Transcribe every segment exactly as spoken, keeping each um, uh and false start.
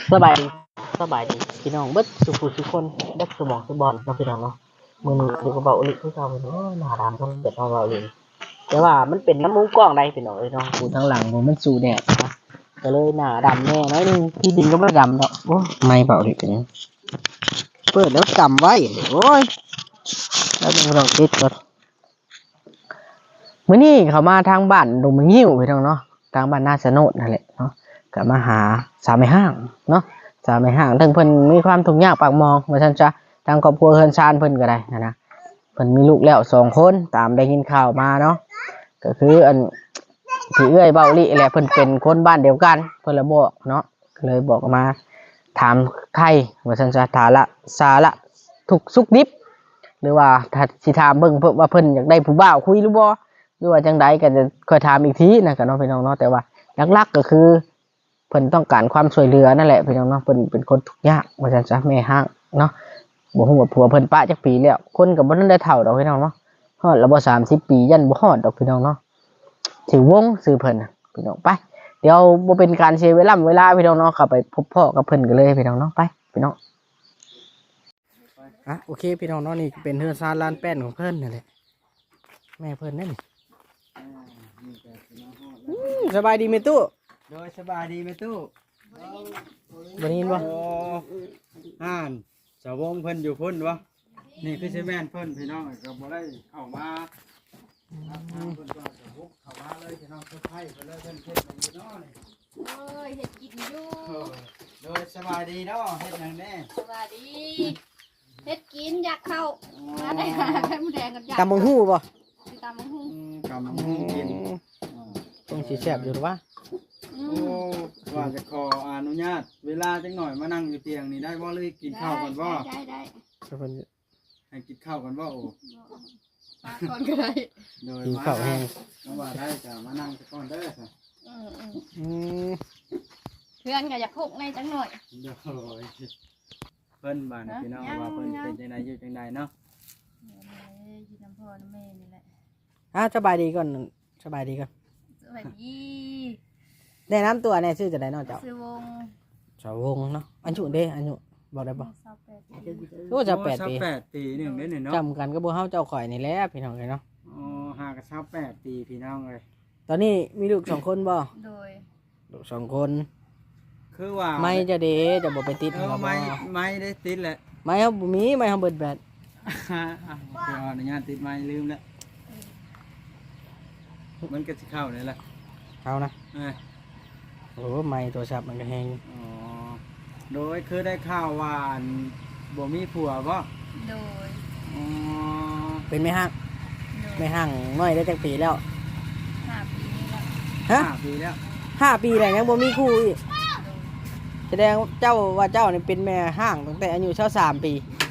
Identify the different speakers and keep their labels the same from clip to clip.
Speaker 1: สบายดีสบายดีพี่น้องเบิดสุขุทุกคนเบิดสมองสบอลเนาะพี่น้องเนาะมือนี้อยู่กับเบาอลิคือเก่าเนาะหน้าดำต้องเกิดเอาเบาอลิแต่ว่ามันเป็นน้ำมูกกล้องใดพี่น้องเอ้ยเนาะกูทางหลังผมมันสูแดดนะก็เลยหน้าดำแน่น้อยนึงพี่ดินก็ไม่ดำเนาะโอ้ไม่เบาอลิเป็นเปิดแล้วจำไว้โอ้ยแล้วต้องลองติดก่อนมื้อนี้เขามาทางบ้านดงมะงิ้วพี่น้องเนาะทางบ้านนาสะโนดนั่นแหละเนาะก็มาหาสาวแม่ห้างเนาะสาวแม่ห้างทั้งเพิ่นมีความทุกข์ยากปากมองว่าซั่นจ้ะทางครอบครัวเฮือนชานเพิ่นก็ได้นะนะเพิ่นมีลูกแล้วสองคนตามได้ยินข่าวมาเนาะก็คืออันพี่เอื้อยเบ้าลิแหละเพิ่นเป็นคนบ้านเดียวกันเพิ่นละบอกเนาะก็เลยบอกมาถามไทยว่าซั่นจ้ะถาละสาระทุกสุขดิบหรือว่าถ้าสิถามเบิ่งเพิ่นว่าเพิ่นอยากได้ผู้บ่าวคุยหรือบ่หรือว่าจังใดก็จะค่อยถามอีกทีนะก็เนาะพี่น้องเนาะแต่ว่าหลักๆก็คือเพิ่นต้องการความช่วยเหลือนั่นแหละพี่น้องเนาะเพิ่นเป็นคนทุกข์ยากว่าซั่นจ้ะแม่ห้างเนาะบ่ฮู้ว่าผัวเพิ่นปะจักปีแล้วคนก็บ่ทันได้เฒ่าดอกพี่น้องเนาะฮอดแล้วบ่สามสิบปียันบ่ฮอดดอกพี่น้องเนาะชื่อวงชื่อเพิ่นน่ะพี่น้องไปเดี๋ยวบ่เป็นการเสียเวลาเวลาพี่น้องเนาะเข้าไปพบพ่อกับเพิ่นกันเลยพี่น้องเนาะไปพี่น้องอ่ะโอเคพี่น้องเนาะนี่เป็นเฮือนซานลานแป้นของเพิ่นนั่นแหละแม่เพิ่นนั่นนี่สบายดีไหมตู้
Speaker 2: โดยสบายดีไหมตู้
Speaker 1: บ่ได้ยินบ่
Speaker 2: อ่านสาวงเพิ่นอยู่พุ่นวะนี่คือใช่แม่นเพิ่นพี่น้องก็บ่ได้เข้ามาทางเพิ่นก็จะบุกเข้ามาเลยพี่น้องเพิ่นไผเพิ่นเลยเพิ่นเฮ็ดให้อยู่เนาะนี่
Speaker 3: เอ้ยเฮ็ดกินอยู่
Speaker 2: โดยสบายดีเนาะเฮ็ดหยังแน่
Speaker 3: สวัสดีเฮ็ดกินอยากเข้ามาได้หาไข่มดแดงกับยา
Speaker 1: ตำบักฮู้บ่
Speaker 3: สิตำบักหุ่ง
Speaker 2: กำลังกิน
Speaker 1: ต้องสิแซ่บอยู่หรือวะ
Speaker 3: อื
Speaker 2: โอ้
Speaker 3: ม
Speaker 2: ว่าจะขออนุญาตเวลาจังหน่อยมานั่งอยู่เตียงนี่ได้บ่เลยกินข้าวก่อนบ่
Speaker 3: ได้ได้
Speaker 1: เพิ่น
Speaker 2: ให้กินข้าวก่อนบ่โอ้
Speaker 3: ปากก่อนก็ได้
Speaker 2: โดย
Speaker 1: กิน
Speaker 2: มา
Speaker 1: ข้าวแห้ง
Speaker 2: น้องว่าได้จะมานั่งก่อนเด้อค่ะ
Speaker 3: อืมอืม
Speaker 1: อืม
Speaker 3: เพื่อนก็อยากพุกในจังหน่อย
Speaker 2: โดยเพิ่นบ้านพี่น้องว่าเพิ่นเป็นจังไดอยู่จังไดเนาะ
Speaker 3: กินน้ำพ่อน้ำแม่นี่แหละ
Speaker 1: อ่ะสบายดีก่อนสบายดีก่อน
Speaker 3: สวัสดี
Speaker 1: แนะนำตัวแน่ชื่อจะได้เนาะเจ้า
Speaker 3: ซื้อวง
Speaker 1: สาววงเนาะอายุเด้อายุบอกได้บ่
Speaker 3: สาวแปดปี
Speaker 1: โอ้จะแปดปี
Speaker 2: แปดปีหนึ่งได้หนึ่งเนาะ
Speaker 1: จำกันก็บ่เฮาเจ้าข่อยนี่แหละพี่น้องเลยเนาะ
Speaker 2: อ๋อหากับเช้าแปดปีพี่น้องเลย
Speaker 1: ตอนนี้มีลูกสองคนบ่
Speaker 3: โดย
Speaker 1: ลูกสองคน
Speaker 2: คือว่า
Speaker 1: ไม่จะเด้จะบ่ไปติด
Speaker 2: เออไม่ไม่ได้ติดแหละ
Speaker 1: ไม่เฮาบ่มีไม่เฮาเบิดแบต
Speaker 2: เดี๋ยวอนุญาตติดไม่ลืมแล้วมันก็สิเข้าเลยแหละ
Speaker 1: เอานะ
Speaker 2: เออ
Speaker 1: โอ้ไม่โทรศัพท์มันก็แฮง
Speaker 2: อ๋อโดยคือได้ข่าวว่าบ่มีผัวบ่
Speaker 3: โดย
Speaker 2: อ๋อ
Speaker 1: เป็นแม่ห้างแม่ห้างน้อยได้จักปีแล้ว
Speaker 3: ห้าปีนี่แล้ว
Speaker 1: ฮะ
Speaker 2: ห้าปีแล้ว
Speaker 1: ห้าปีแล้วยังบ่มีคู่อีกแสดงเจ้าว่าเจ้านี่เป็นแม่ห้างตั้งแต่อายุเท่าสามปี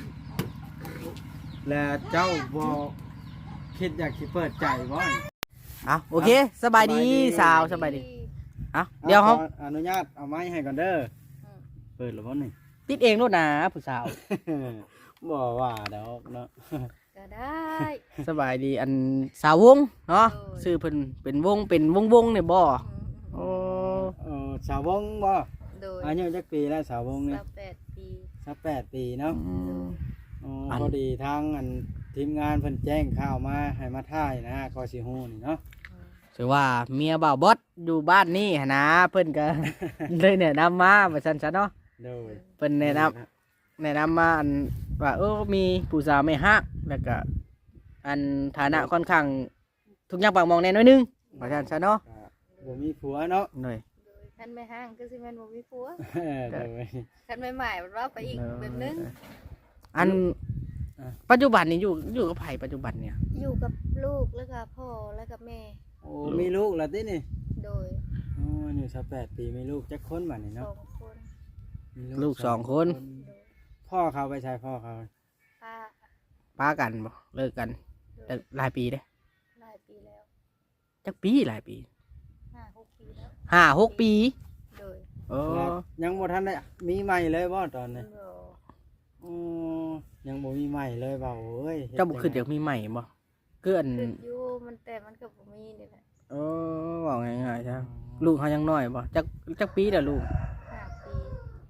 Speaker 2: แล้วเจ้าบ่คิดอยากสิเปิดใจบ่
Speaker 1: อ่ะโอเคสบายดีสาวสบายดีอ่ะเดี๋ยวเฮา
Speaker 2: อนุญาตเอาไม้ให้ก่อนเด้อเปิดหรือบ่นี่
Speaker 1: ติดเองโลดนะผู้สาว
Speaker 2: บ่ว่าดอกเนาะ
Speaker 3: ก็ได้
Speaker 1: สบายดีอันสาววงเนาะชื่อเพิ่นเป็นวงเป็นวงวงเนี่ยบ่โอ้
Speaker 2: เออสาววงบ่
Speaker 3: โดย
Speaker 2: อายุจักปีแล้วสาววงนี่
Speaker 3: สิบแปดปี
Speaker 2: สิบแปดปีเนาะอ๋อ
Speaker 1: อัน
Speaker 2: พอดีทางอันทีมงานเพิ่นแจ้งข่าวมาให้มาถ่ายนะก็สิฮู้นี่เนาะ
Speaker 1: ถือว่าเมียบ่าวบอสอยู่บ้านนี่หั่นนะเพิ่นก็ เลยแนะนำมาว่าซั่นซะเนาะ
Speaker 2: โดย
Speaker 1: เพิ่นแนะนำแนะนำมาอันว่าเออมีผู้สาวไม่ฮักแล้วก็อันฐานะค่อนข้างทุกอย่างปากมองแน่น้อยนึงว่าซั่นซะเนาะ
Speaker 2: บ่มีผัวเนาะ
Speaker 1: หน่อย
Speaker 3: คันไม่ห้างก็สิแม่นบ่มีผัว
Speaker 2: โดย
Speaker 3: คันไม่ใหม่มันว่าไปอีกแบบนึง
Speaker 1: อันปัจจุบันนี่อยู่อยู่กับไผปัจจุบันเนี่ย
Speaker 3: อยู่กับลูกแล้วก็พ่อแล้วก็แม่
Speaker 2: โอ้มีลูกแล้วตินี่
Speaker 3: โดย
Speaker 2: อ๋ออายุสิบแปดปีมีลูกจักคนบัดนี้เนาะ
Speaker 3: สองคน
Speaker 1: ลูกสองคน
Speaker 2: พ่อเขาไปใช้พ่อเขา
Speaker 3: ป้า
Speaker 1: ป้ากันบ่เลิกกันแต่หลายปีเด้
Speaker 3: หลายปีแล้ว
Speaker 1: จักปีหลายปี
Speaker 3: ห้าหกปีแล้ว
Speaker 1: ห้าหกปี
Speaker 3: โดย
Speaker 1: โอ้
Speaker 2: ยังบ่ทันได้มีใหม่เลยบ่ตอนนี้อ๋อยังบ่มีใหม่เลยเบาเอ้ย
Speaker 1: เจ้าบ่คิดอยากมีใหม่บ่เกิน
Speaker 3: อยู่มันแต่มันก็บ่มีนี่แหละ
Speaker 1: เออว่าง่ายๆจ้ะลูกเขายังน้อยบ่จักจักปีแล้วลูก
Speaker 3: ห้าปี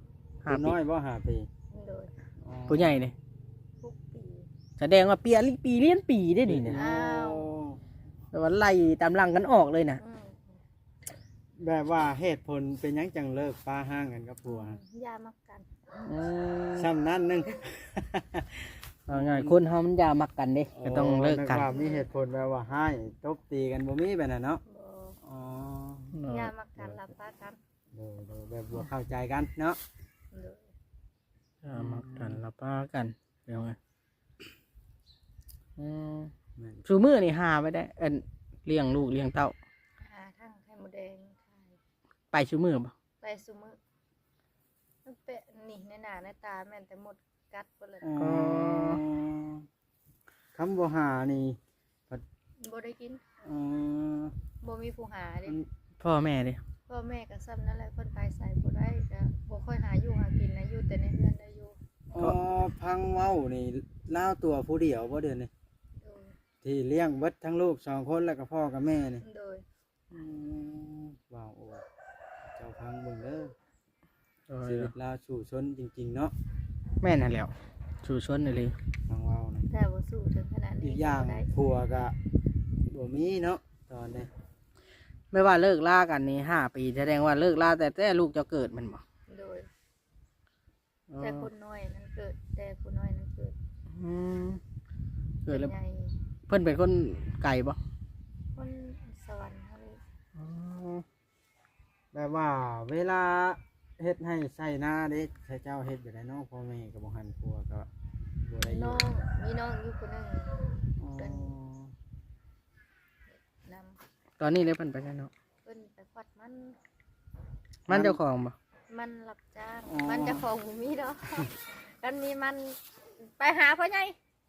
Speaker 1: ห้า
Speaker 2: ผู้
Speaker 1: ปี
Speaker 2: น้อยบ่ห้าปี
Speaker 3: โดย
Speaker 2: อ๋อ
Speaker 1: ผู้ใหญ่นี่
Speaker 3: ทุกปี
Speaker 1: แสดงว่าเปียปีเลี้ยนปีได้ดิเนี่ย
Speaker 3: อ้าว
Speaker 1: แต่ว่าไล่ตามหลังกันออกเลยนะ
Speaker 3: อืม
Speaker 2: แบบว่าเหตุผลเป็นหยังจังเลิกป้าห้างกันกับผัวฮะ
Speaker 3: ยามักกัน
Speaker 2: ซ้ำนั้นหนึง
Speaker 1: เอาง่ายคนเฮามันอยามักกันเด้ก็ต้องเลิกกัน
Speaker 2: ว่ามีเหตุผลแบบว่าให้ตบตีกันบ่มีแบบนั้นเนาะ
Speaker 3: บ่
Speaker 2: อ๋อ
Speaker 3: ยามักกันรับปากัน
Speaker 2: โดยโดยแบบบ่เข้าใจกันเนาะ
Speaker 3: โดย
Speaker 1: อยามักกันละป้ากันเดี๋ยวไงอืม
Speaker 2: แม่น
Speaker 1: ชูมือนี่หาไว้ได้เอิ้นเลี้ยงลูกเลี้ยงเต้า
Speaker 3: หาทั้งไข่มดแดงขาย
Speaker 1: ไปชูมือบ่
Speaker 3: ไปซุมื้อมันเป็นนี่ในหน้าในตาแม่นแต่หมดกัดเบิดเลย
Speaker 2: อ๋อคำบ่หานี่
Speaker 3: บ่ได้กิน
Speaker 2: อ๋อ
Speaker 3: บ่มีผู้หาเด้
Speaker 2: มัน
Speaker 1: พ่อแม่เด้
Speaker 3: พ่อแม่ก็ซ้ำนั่นแหละเพิ่นไปใส่บ่ได้ก็บ่ค่อยหาอยู่หากินนะอยู่แต่ในเรือนได้อยู่
Speaker 2: อ๋อพังเว้านี่ลาวตัวผู้เดียวบ่เดือนนี่
Speaker 3: โดย
Speaker 2: ที่เลี้ยงเบิดทั้งลูกสองคนแล้วก็พ่อกับแม่นี่
Speaker 3: โดย
Speaker 2: อืมว้าวโอ้เจ้าพังเบิ่งเด้อ
Speaker 1: เออ
Speaker 2: ชีวิตลาวสู่ชนจริงๆเนาะ
Speaker 1: แม่นั่นแหล้วชูชนเลย
Speaker 2: พังเว้านี่
Speaker 3: แต่บ่สู้ถึงขนาด
Speaker 2: อี
Speaker 3: นี้
Speaker 2: กอย่าง
Speaker 3: บ่ได้
Speaker 2: ผัวก็บ่มีเนาะตอนนี้
Speaker 1: ไม่ว่าเลิกล่ากันนี่ห้าปีแสดงว่าเลิกล่าแต่แต่ลูกจะเกิดมันบ่
Speaker 3: โดยแต่คนน้อยนั้นเกิด แต่ผู้น้อยนั้นเกิด
Speaker 1: อืมเกิดแล้ว
Speaker 3: ป็นใหญ่
Speaker 1: เพิ่นเป็นคนไก่บ่
Speaker 3: คนสวรรค์เฮาเลย
Speaker 2: แบบว่าเวลาเฮ็ดให้ใส่หน้าเด็กใส่เจ้าเฮ็ดอยู่ได้เนาะพ่อแม่ก็บ่หันผัวก็บ่ได้อยู่
Speaker 3: น้องมีน้องอยู่คนหนึง
Speaker 2: อ๋อ
Speaker 3: นำ
Speaker 1: ตอนนี้เลยเพิ่นไปแล้วเนาะ
Speaker 3: เพิ่นไปควัดมัน
Speaker 1: มันเจ้าของบ่
Speaker 3: มันรับจ้างมันเจะของบ่มีดอกกันมีมันไปหาพ่อใหญ่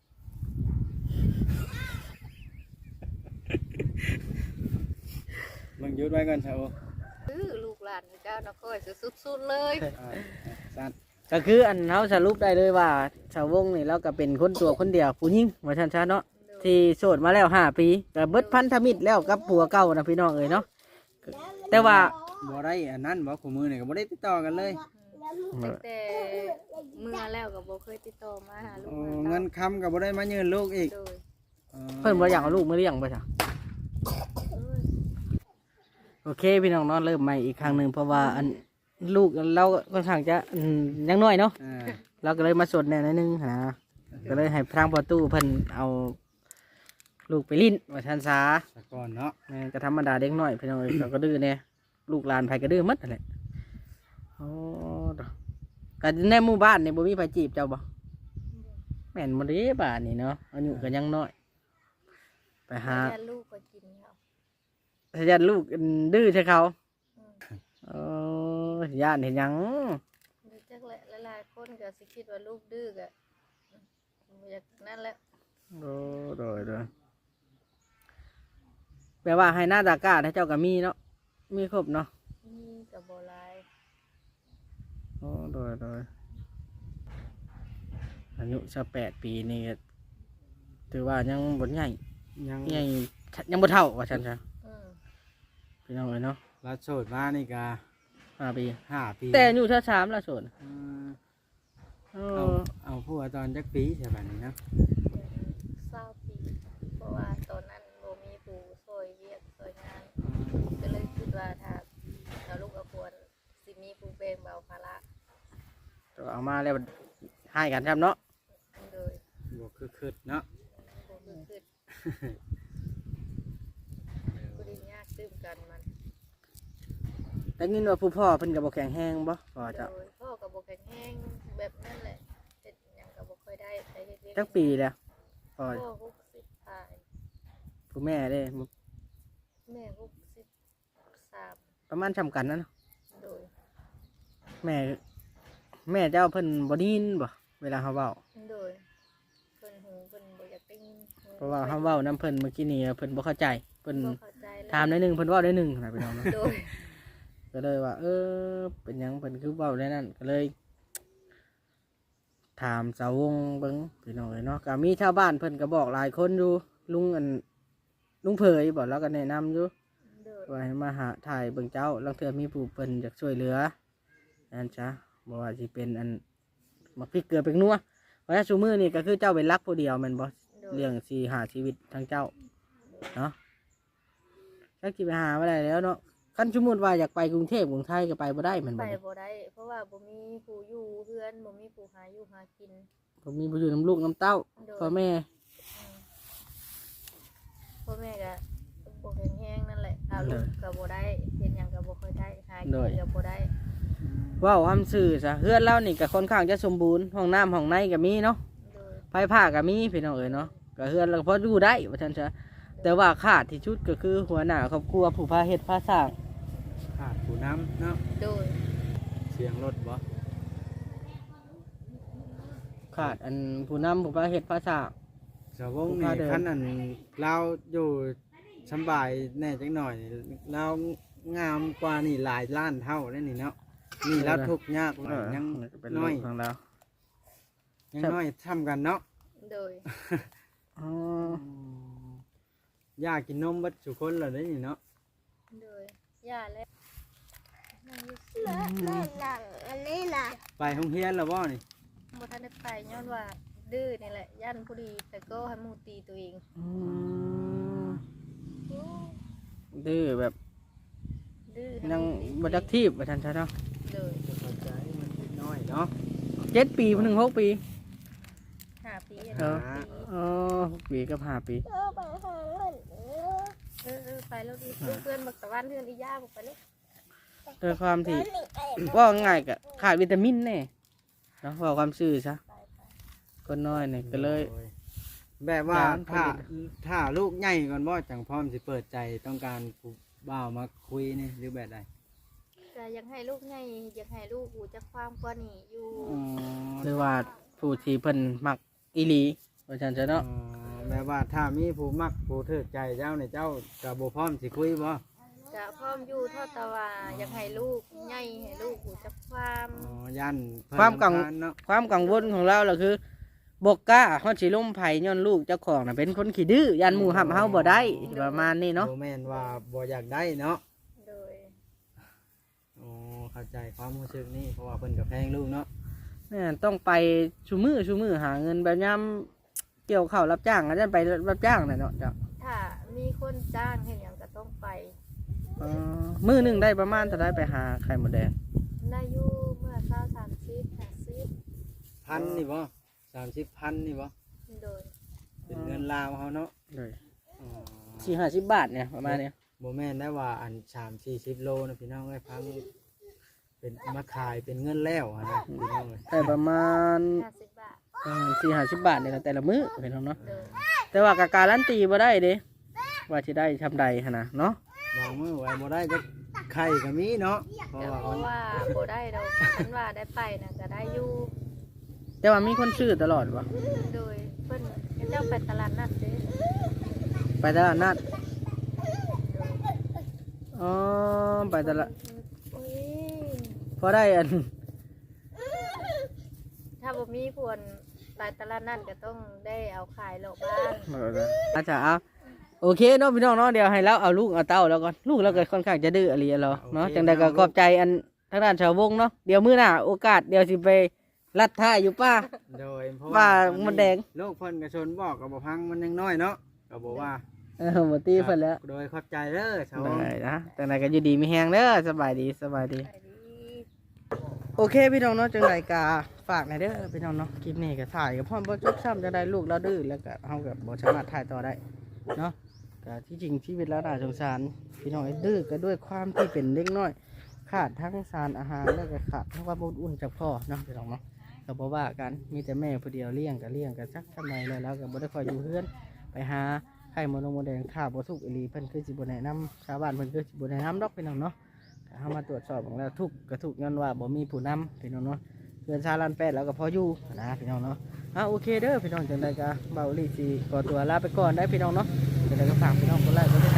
Speaker 2: มึงหยุดไว้ก่อนเถอะ
Speaker 3: อื้อลูกหลานเจ้านครสุดๆเลย
Speaker 2: อ่าสั้น
Speaker 1: ก็คืออันเฮาสรุปได้เลยว่าชาววงนี่เราก็เป็นคนตัวคนเดียวผู้หญิงว่าซั่นซะเนาะที่โสดมาแล้วห้าปีก็เบิดพันธมิตรแล้วกับผัวเก่านะพี่น้องเอ้ยเนาะแต่ว่า
Speaker 2: บ่ได้อันนั้นบ่คู่มือนี่ก็บ่ได้ติดต่อกันเลย
Speaker 3: ตั้งแต่เมื่อแล้วก็บ่เคยติดต่อมาหาลูก
Speaker 2: โอ้
Speaker 3: หา
Speaker 2: เงิ
Speaker 3: เต้าน
Speaker 2: คำก็บ่ได้มายืนลูกอีก
Speaker 3: โดย
Speaker 2: อ๋อ
Speaker 1: เพิ่นบ่อยากเอาลูกมาเลี้ยงไปจ้ะ
Speaker 3: เอ้ย
Speaker 1: โอเคพี่น้องเนาะเริ่มใหม่อีกครั้งหนึงเพราะว่าอันลูกเราค่อนข้างจะอืมยังน้อยเนาะ
Speaker 2: อ่า
Speaker 1: เราก็เลยมาสดแน่นิดนึงนะก็เลยให้ทางประตูเพิ่นเอาลูกไปลิ้นว่าทันซา
Speaker 2: สะก่อนเนาะ
Speaker 1: แม่นก็ธรรมดาเด็กน้อยพี่น้องเอ้ยเราก็ดื้อแน่ลูกหลานไผก็ดื้อหมดนั่นแหละโอ้ดอกก็ในหมู่บ้านนี่บ่มีไผจีบเจ้าบ่แม่นบ่เด้บ้านนี่เนาะอายุก็ยังน้อย ไปหา
Speaker 3: แต่ลูกก็กินเขา
Speaker 1: ทะยันลูกดื้อใช่เขา
Speaker 3: อืม
Speaker 1: โอ้ย่านเห็นหยัง
Speaker 3: ดูจักแหละหลายๆคนก็สิคิดว่าลูกดื้อก็อืมบ่อยากนั่นแหละ
Speaker 1: โอ้โดยโดยแปลว่าให้หน้าตากาให้เจ้าก็มีเนาะมีครบเนาะ
Speaker 3: มีก็บ่หลาย
Speaker 1: โอ้โดยโดยอายุสิบแปดปีนี่ก็ถือว่ายังบ่ใหญ่
Speaker 2: ยัง
Speaker 1: ใหญ่ยังบ่เท่าว่าฉันซะ
Speaker 3: อืม
Speaker 1: พี่น้องเอ้ยเนาะ
Speaker 2: รัดโสดมานี่ก็
Speaker 1: ห้าปี
Speaker 2: ห้าปี
Speaker 1: แต่อายุเท่าสามละส่วน
Speaker 2: อืม
Speaker 1: เอ
Speaker 2: เอา
Speaker 1: อ
Speaker 2: เอาผัวตอนจักปีใช่บัดนี้เนาะ
Speaker 3: เศร้าปีเพราะว่าตอนนั้นบ่มีผู้ช่วยเวียกช่วยงาน ก็เลยคิดว่าถ้าเอาลูกเอาควรสิมีผู้แบ่งเบาภาระ
Speaker 1: เอามาแล้วให้กันครับเนาะ
Speaker 3: โดย
Speaker 2: บ่คือคิดเนาะ
Speaker 3: บ่คือคิดกูไดียากตื้มกันมัน
Speaker 1: แต่ยินว่าผู้พ่อเพิ่นก็บ่แข็งแรงบ่พ่อ
Speaker 3: โด
Speaker 1: เจ้าย
Speaker 3: พ่อกับบ่แข็งแรงแบบนั้นแหละเฮ็ดหยังก็บ่ค่อยได้ไปเฮ็ดเวียก
Speaker 1: จักปีแล้วพ่อ
Speaker 3: พ่อหกสิบปลาย
Speaker 1: ผู้แม่เด้
Speaker 3: แม่หกสิบสาม
Speaker 1: ประมาณจำกันนั่นเนาะ
Speaker 3: โดย
Speaker 1: แม่ แม่เจ้าเพิ่นบ่ได้ยินบ่เวลาเฮาเว้า
Speaker 3: โดยเพิ่นหูเพิ่นบ่อยากได้ยินหู
Speaker 1: เพราะว่าเฮาเว้านํเพิ่นเมื่อกี้นี้เพิ่นบ่เข้าใจเพิ่น
Speaker 3: บ่เข้าใจเลย
Speaker 1: ถามได้หนึงเพิ่นเว้าได้หนึงนะพี่น้องเนาะ
Speaker 3: โดย
Speaker 1: ก็เลยว่า เออ เป็นหยังเพิ่นคือเว้าได้นั่นก็เลย ถามสาววงเบิ่งพี่น้องเอ้ยเนาะก็มีชาวบ้านเพิ่นก็บอกหลายคนอยู่ลุงอันลุงเผยบอกแล้วก็แนะนำอยู่
Speaker 3: โดย
Speaker 1: ว่าให้มาหาถ่ายเบิ่งเจ้าลางเทื่อมีผู้เพิ่นอยากช่วยเหลือนั่นจ้ะบ่ว่าสิเป็นอันมักพริกเกลือเป็นนัวเพราะฉะนั้นซุมื้อนี่ก็คือเจ้าเป็นรักผู้เดียวแม่นบ่
Speaker 3: โดย
Speaker 1: เรื่องสิหาชีวิตทางเจ้าเนาะจักสิไปหาบ่ได้แล้วเนาะคันสมมุติว่าอยากไปกรุงเทพกรุงไทยก็ไปบ่ได้แม่น
Speaker 3: ไป
Speaker 1: บ่
Speaker 3: บ่ได้เพราะว่าบ่มีผู้อยู่เพื่อนบ่มีผู้หาอยู่หากิน
Speaker 1: ผมมีผู้อยู่น้ำลูกน้ำเต้า
Speaker 3: โดย
Speaker 1: พ่อแม่
Speaker 3: อืมพ่อแม่ก็บ่แข็งแรงนั่นแหละเอาลูกก็บ่ได้เฮ็ดหยังก็บ่ค่อยได้หากินก็บ่ได้
Speaker 1: เว้าคำซื่อซะเฮือนเรานี่ก็ค่อนข้างจะสมบูรณ์ห้องน้ำห้องในก็มีเนาะ
Speaker 3: โดย
Speaker 1: ไฟผ้าก็มีพี่น้องเอ๋ยเนาะก็เฮือนเราก็พออยู่ได้ว่าซั่นซะแต่ว่าขาดที่ชุดก็คือหัวหน้าครอบครัวผู้พาเฮ็ดพาสร้าง
Speaker 2: ขาดผู้น้ำเนาะ
Speaker 3: โดย
Speaker 2: เสียงรถบ่
Speaker 1: ขาดอันผู้นำผู้พาเฮ็ดพาสร้าง
Speaker 2: สาวง
Speaker 1: ผู้
Speaker 2: นี่
Speaker 1: พาเดิน
Speaker 2: คันอันเราอยู่สำบายแน่จังหน่อยเรางามกว่านี่หลายล้านเท่าเลยนี่เนาะนี่เราทุกข์ยากหน่อยยัง
Speaker 1: เป็น
Speaker 2: น้อย
Speaker 1: ของเรา
Speaker 2: ยังน้อยทำกันเนาะ
Speaker 3: โดย
Speaker 1: อ๋อ
Speaker 2: อยากกินนมเบัดทุกคนเลยได้นี่เนาะ
Speaker 3: โดยย่าและนั่งอยู่
Speaker 4: อันนี้ล่ะ
Speaker 2: ไปห้องเฮียนแล้วบ่นี่
Speaker 3: บ่ทันได้ไปย้อนว่าดื้อนี่แหละย่านผู้ดีแต่ก็ให้หมู่ตีตัวเอง
Speaker 1: อืมดื้อแบบ
Speaker 3: ดื้อให้
Speaker 1: ยัง
Speaker 3: หมู่ตี
Speaker 1: บ่จักทีบว่าซั่นซะเนาะ
Speaker 3: โดย
Speaker 2: จะเข้าใจมันนิดน้อยเนาะ
Speaker 1: เจ็ดปีถึงหกปี
Speaker 3: ห้าปี
Speaker 1: เออ
Speaker 3: ห้าปี
Speaker 1: อ๋อหกปีกับห้าปี
Speaker 4: เออไปหาเงินเออ
Speaker 3: เออเออไปแล้วดีเพื่อนบักตะวันเพื่อนอีย่าบอกไปเลย
Speaker 1: ด้วยความที่
Speaker 4: นี่ไอ้
Speaker 1: ว่าง่ายก็ขาดวิตามินแน่เนาะว่าความซื่อซะ
Speaker 3: ไปไป
Speaker 1: คนน้อยเนี่ยก็เลย
Speaker 2: โอ้ยแบบว่า
Speaker 1: ร้าน
Speaker 2: ถ้า
Speaker 1: ผลิต
Speaker 2: ถ้าลูกใหญ่ก่อนบ่จังพร้อมสิเปิดใจต้องการผู้บ่าวมาคุยนี่หรือแบบใด
Speaker 3: ก็ยังให้ลูกไงยังให้ลูกหูจักความกว่านี่อยู่
Speaker 2: อ๋อ
Speaker 1: หรือว่าผู้ที่เพิ่นมักอีหลีว่าซั่นซะ
Speaker 2: อ๋อ
Speaker 1: เนาะ
Speaker 2: แบบว่าถ้ามีผู้มักผู้ถือใจเจ้าเนี่ยเจ้าก็บ่พร้อมสิคุยบ่
Speaker 3: จะพร้อมอยู่เท่าแตะว่ายังให้ลูกไงให้ลูกหูจักความ
Speaker 2: อ๋อยันเพิ่น
Speaker 1: ความกัง
Speaker 2: รำคญเนาะ
Speaker 1: ความกังวลของเราล่ะคือบกกล้าฮอดสิล้มไผย้อนลูกเจ้าของน่ะเป็นคนขี้ดื้อยันหมู่หับเฮาบ่ได้ประมาณนี้เนาะ
Speaker 2: บ่แม่นว่าบ่อยากได้เนาะ
Speaker 3: โดย
Speaker 2: อ๋อเข้าใจความรู้สึกนี่เพราะว่าเพิ่นก็แพงลูกเนาะ
Speaker 1: แม่นต้องไปชุมือชุมือหาเงินแบบยามเกี่ยวข้าวรับจ้างอาจารย์ไปรับจ้างน่ะเนาะจ้ะ
Speaker 3: ถ้ามีคนจ้างให้หยังก็ต้องไป
Speaker 1: เอ่อมื้อหนึงได้ประมาณเท่าใดไปหาไข่มดแดง
Speaker 3: ได้อยู่เมื่อเช้าสามสิบห้าสิบ
Speaker 2: พันนี่บ่สามสิบพันนี่บ่
Speaker 3: โดย
Speaker 2: เป็นเงินลาวเฮาเนาะ
Speaker 1: เลย
Speaker 2: อ๋อ
Speaker 1: สี่ห้าสิบบาทเนี่ยประมาณเนี้ย
Speaker 2: บ่แม่นได้ว่าอันสามสี่สิบโลนะพี่น้องเอ้ยพังเป็นมาขายเป็นเงินแล้วอะนะพี่น้องเอ้ย
Speaker 1: แต่ประมาณ
Speaker 3: ห้าสิบบาท
Speaker 1: สี่ห้าสิบบาทเนี่ยแต่ละมื้อเห็นเนาะ
Speaker 3: โดย
Speaker 1: แต่ว่ากะการันตีบ่ได้เด้ว่าสิได้ทำใดหั่นน่ะเนาะ
Speaker 2: บางมื้อไว้บ่ได้ก็ไข่ก็มีเนาะเพราะ
Speaker 3: แต่
Speaker 2: ว่า
Speaker 3: เพราะว่าโบได้เราฉันว่าได้ไปนะก็ได้อยู่
Speaker 1: แต่ว่ามีคนซื้อตลอดวะ
Speaker 3: โดยเพิ่นเจ้าไปตลาดนัดเด้
Speaker 1: ไปตลาดนัดอ๋อไปตลาด
Speaker 3: อุ้ย
Speaker 1: พอได้อัน
Speaker 3: ถ้าบ่มีพวนไปตลาดนัดก็ต้องได้เอาขายโลกบ้าน
Speaker 1: อาจารย์เอาโอเคเนาะพี่น้องเนาะเดี๋ยวให้เราเอาลูกเอาเต้าแล้วก่อนลูกเราก็ค่อนข้างจะดื้ออะไรเราเนาะจังใดก็ขอบใจอันทางด้านชาววงเนาะเดี๋ยวมื้อหน้าโอกาสเดี๋ยวสิไปลัดท่าอยู่ป้า
Speaker 2: โดยเพราะ
Speaker 1: ว่า
Speaker 2: ว่า
Speaker 1: มันแดง
Speaker 2: ลูกเพิ่นก็ชนบอกก็บ่พังมันยังน้อยเนาะก็บอกว่า
Speaker 1: เออหมดตีเพิ่นแล้ว
Speaker 2: โดยขอบใจเด้อชาว
Speaker 1: ได้นะจังใดก็อยู่ดีมีแฮงเด้อสบายดีสบายดี
Speaker 3: ไปดี
Speaker 1: โอเคพี่น้องเนาะจังไรกาฝากหน่อยเด้อพี่น้องเนาะคลิปนี้ก็ถ่ายกับพ่อบ่จบซ้ำจะได้ลูกเราดื้อแล้วก็เฮากับบ่สามารถถ่ายต่อได้เนาะก็ที่จริงชีวิตเราน่าสงสารพี่น้องไอ้ดื้อก็ด้วยความที่เป็นเด็กน้อยขาดทั้งสารอาหารแล้วก็ขาดทั้งความอบอุ่นจากพ่อเนาะพี่น้องเนาะก็บ่ว่ากันมีแต่แม่ผู้เดียวเลี้ยงก็เลี้ยงก็จักทำไมแล้วแล้วก็บ่ได้คอยอยู่เฮือนไปหาไข่มดนมดแดงข้าวบ่สุกอีหลีเพิ่นคือสิบ่แนะนำชาวบ้านเพิ่นคือสิบ่แนะนำดอกพี่น้องเนาะ เข้ามาตรวจสอบของเราทุกกระทุกย้อนว่าบ่มีผู้นำพี่น้องเนาะเพื่อนชาลันแปดแล้วก็พออยู่นะพี่น้องเนาะอ่ะโอเคเด้อพี่น้องจังไดก็เบาลีสีขอตัวลาไปก่อนได้พี่น้องเนาะจังไดก็ฝากพี่น้องคนแรกก็ได้